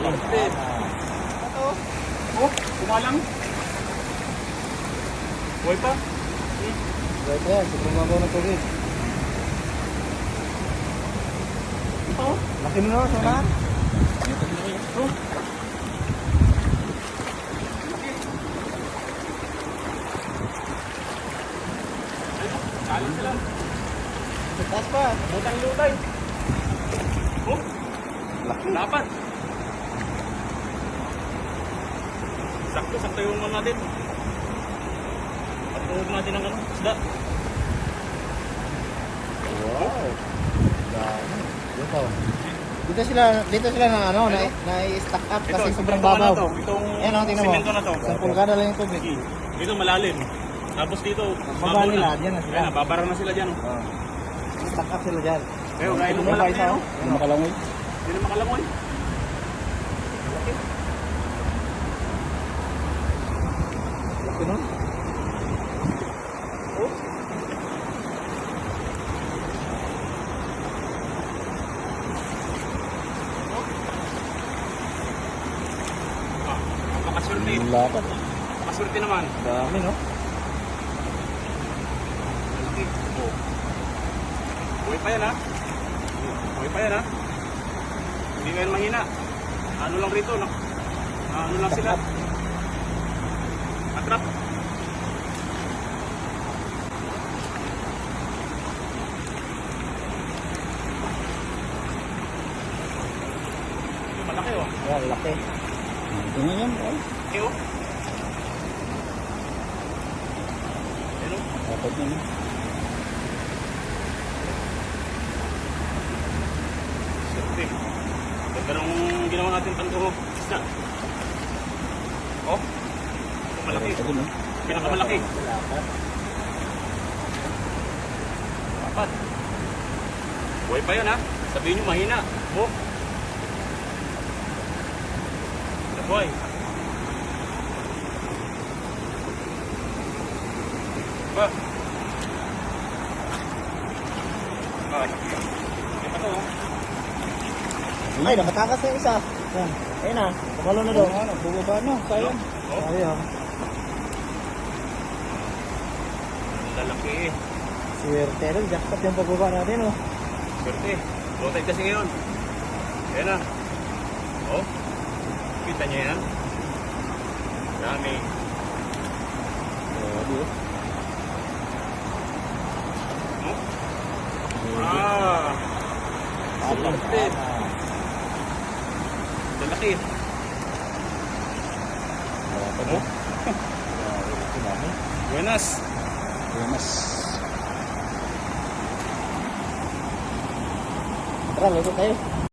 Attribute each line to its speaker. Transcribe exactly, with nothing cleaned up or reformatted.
Speaker 1: Kapit. Ito. Oh, kumalang. Buhay pa.
Speaker 2: Buhay pa yan. Sobrang mabaw ng tubig.
Speaker 1: Ito.
Speaker 2: Laki mo na, sana.
Speaker 1: Ito. Kalan sila.
Speaker 2: Taas pa.
Speaker 1: Butang lutay. Oh,
Speaker 2: Laki.
Speaker 1: dapat. Sakto, sakto yung ano natin. Patuhog natin ang ano, isda.
Speaker 2: Wow. Dami. Dito. Dito sila, dito sila na ano, na, na-stack up kasi sobrang
Speaker 1: itong
Speaker 2: babaw.
Speaker 1: Ano to, itong
Speaker 2: Ayan o, tingnan mo.
Speaker 1: simento na to.
Speaker 2: Isang pulgada lang yung tubig.
Speaker 1: Dito malalim. Tapos dito,
Speaker 2: Baba
Speaker 1: babaw
Speaker 2: nila,
Speaker 1: na.
Speaker 2: dyan na sila.
Speaker 1: Ayan, babara na sila dyan. Oh.
Speaker 2: Oh. Stack up sila dyan.
Speaker 1: Pero gaya nung
Speaker 2: Tingnan mo,
Speaker 1: malaki
Speaker 2: isa,
Speaker 1: oh.
Speaker 2: oh. Hindi makalangoy.
Speaker 1: Hindi na makalangoy. Laki.
Speaker 2: Laki nun.
Speaker 1: Oh. Ah, napakaswerte.
Speaker 2: Lapat.
Speaker 1: Napakaswerte naman.
Speaker 2: Dami, no?
Speaker 1: Laki. Oh. Buhay pa yan ha. Buhay pa yan ha. Hindi kayo mahina. Ano lang rito, no? Ano lang sila. Atrap. Malaki oh.
Speaker 2: Ayan, laki. Tingnan yan, oh.
Speaker 1: Okay oh. Ano?
Speaker 2: Dapat yun, no?
Speaker 1: Siyempre. Ganda nung ginawa natin pantuho. Isda. Oh. Ito malaki.
Speaker 2: Ito, no?
Speaker 1: Pinakamalaki.
Speaker 2: Lapat.
Speaker 1: Dapat. Buhay pa yan ha. Sabihin nyo mahina. Oh. Buhay. Ba? Ay. Ito to oh.
Speaker 2: Ay, nakatakas na yung isa. Yan. Ayun na. Kumalo na daw. Ano, bubaba na. Sayang.
Speaker 1: Oh.
Speaker 2: Sayang.
Speaker 1: Lalaki eh.
Speaker 2: Swerte rin. Jackpot yung pagbaba natin, oh.
Speaker 1: Swerte. Low tide kasi ngayon. Ayan na. Oh. Kita niyo yan. Dami.
Speaker 2: Grabe, oh.
Speaker 1: Oh. Ah. Swerte. Lalaki.
Speaker 2: Dapat, oh. Grabe, laki namin.
Speaker 1: Buenas.
Speaker 2: Buenas. Tara, luto tayo.